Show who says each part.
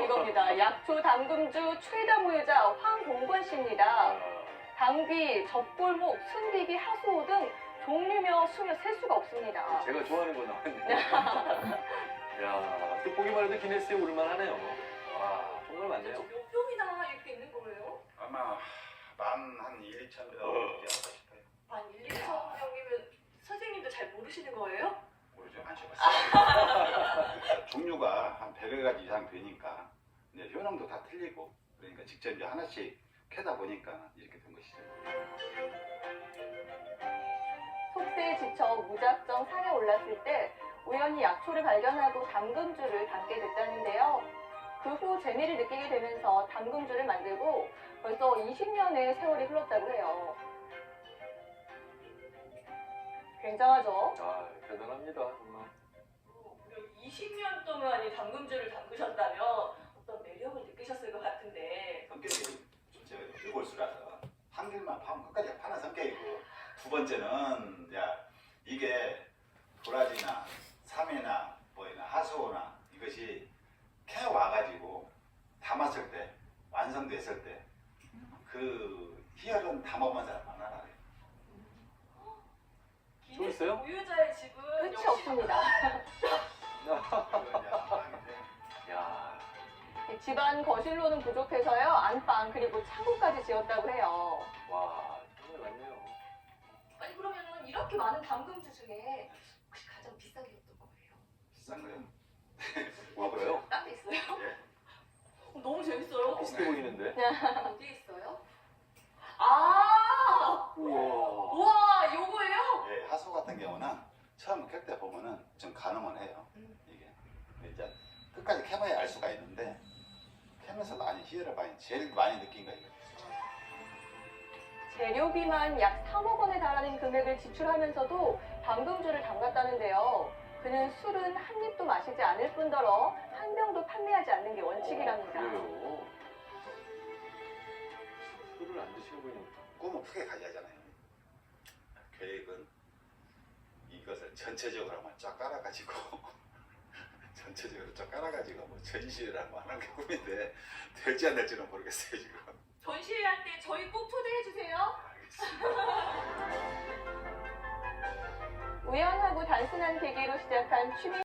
Speaker 1: 이겁니다. 약초 담금주 최다 보유자 황봉권 씨입니다. 당귀, 젖골목, 순디기, 하수오 등 종류며 수며 셀 수가 없습니다.
Speaker 2: 제가 좋아하는 거 나왔네요. 야, 또 보기만 해도 기네스에 오를만하네요. 와, 정말 많네요.
Speaker 1: 몇 병이나 이렇게 있는 거예요?
Speaker 3: 아마 한 1, 2천 명 되지 않을까 싶어요.
Speaker 1: 한 1, 2천 명이면 선생님도 잘 모르시는 거예요?
Speaker 3: 모르죠. 안 쳐봤어요. 종류가 한 100여 가지 이상 되니까 이제 효능도 다 틀리고 그러니까 직접 이제 하나씩 캐다 보니까 이렇게 된 것이죠.
Speaker 1: 속세에 지쳐 무작정 산에 올랐을 때 우연히 약초를 발견하고 담금주를 담게 됐다는데요. 그 후 재미를 느끼게 되면서 담금주를 만들고 벌써 20년의 세월이 흘렀다고 해요. 굉장하죠?
Speaker 2: 아, 대단합니다, 정말.
Speaker 1: 20년 동안 이 담금주를 담그셨다면 어떤 매력을 느끼셨을 것 같은데.
Speaker 3: 성격이 좀 제가 일골수라서 한 길만 파면 끝까지 파는 성격이고 두 번째는 이게 도라지나 삼이나 뭐이나 하수오나 이것이 캐 와가지고 담았을 때 완성됐을 때 그 희열은 담아본 사람 안 알아요.
Speaker 2: 또 있어요?
Speaker 1: 보유자의 집은 끝이 없습니다.
Speaker 2: 야,
Speaker 1: 집안 거실로는 부족해서요. 안방 그리고 창고까지 지었다고 해요.
Speaker 2: 와, 정말 많네요.
Speaker 1: 아니 그러면은 이렇게 많은 담금주 중에 혹시 가장 비싸게 어떤 거예요?
Speaker 3: 비싼 거요?
Speaker 2: 와, 그래요?
Speaker 1: 딴 데 있어요?
Speaker 3: 예.
Speaker 1: 너무 재밌어요.
Speaker 2: 비슷해 보이는데?
Speaker 1: 어디에 있어요? 아,
Speaker 2: 우와.
Speaker 1: 우와, 요거예요?
Speaker 3: 예, 하수 같은 경우는 처음 캘 때 보면은 좀 가늠은 해요. 이게 근데 이제 끝까지 캐봐야 알 수가 있는데 캐면서 많이 희열을 제일 많이 느낀 거예요.
Speaker 1: 재료비만 약 3억 원에 달하는 금액을 지출하면서도 담금주를 담갔다는데요. 그는 술은 한 입도 마시지 않을 뿐더러 한 병도 판매하지 않는 게 원칙이랍니다.
Speaker 2: 그래요? 술을 안 드시는 분이
Speaker 3: 꿈은 크게 가져야잖아요. 계획은 이것을 전체적으로 한번 쫙 깔아가지고 전체적으로 쫙 깔아가지고 뭐 전시를 한번 하는 게 꿈인데 될지 안 될지는 모르겠어요 지금.
Speaker 1: 전시회할 때 저희 꼭 초대해 주세요.
Speaker 3: 알겠습니다.
Speaker 1: 우연하고 단순한 계기로 시작한 취미